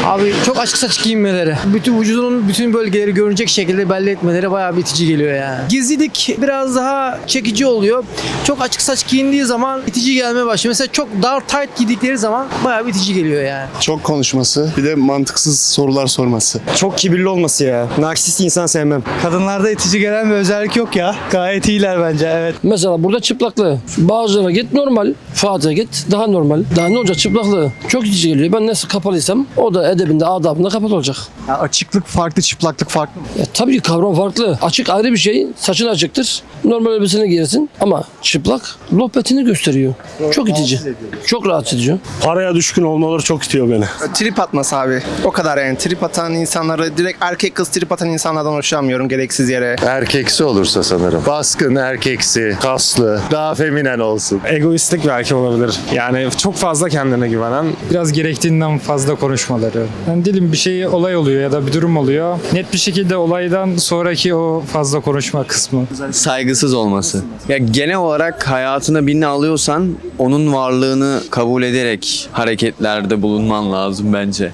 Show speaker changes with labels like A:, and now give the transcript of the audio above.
A: Abi çok açık saçık giyinmeleri. Bütün vücudunun bütün bölgeleri görünecek şekilde belli etmeleri bayağı bir itici geliyor yani. Gizlilik biraz daha çekici oluyor. Çok açık saç giyindiği zaman itici gelmeye başlıyor. Mesela çok dar tight giydikleri zaman bayağı bir itici geliyor yani.
B: Çok konuşması, bir de mantıksız sorular sorması.
C: Çok kibirli olması ya. Narsist insan sevmem.
D: Kadınlarda itici gelen bir özellik yok ya. Gayet iyiler bence, evet.
E: Mesela burada çıplaklığı. Bazılarına git normal. Fatih'e git daha normal. Daha ne olacak çıplaklığı? Çok itici geliyor. Ben nasıl kapalıysam o da edebinde, adabında kapalı olacak.
D: Ya açıklık farklı, çıplaklık farklı mı?
E: Ya, tabii ki kavram farklı. Açık ayrı bir şey. Saçın açıktır. Normal elbiseni giyersin. Ama çıplak lohbetini gösteriyor. Çok itici. Çok rahatsız edici.
C: Paraya düşkün olmaları çok itiyor beni.
F: Trip atması abi. O kadar yani. Trip atan insanları, direkt erkek kız trip atan insanlardan hoşlanmıyorum gereksiz yere.
G: Erkeksi olursa sanırım. Baskın, erkeksi, kaslı, daha feminen olsun.
H: Egoistlik belki olabilir. Yani çok fazla kendine güvenen. Biraz gerektiğinden fazla konuşmaları. Yani diyelim bir şey olay oluyor ya da bir durum oluyor. Net bir şekilde olaydan sonraki o fazla konuşma kısmı.
I: Saygısız olması. Ya genel olarak hayatına birini alıyorsan onun varlığını kabul ederek hareketlerde bulunman lazım bence.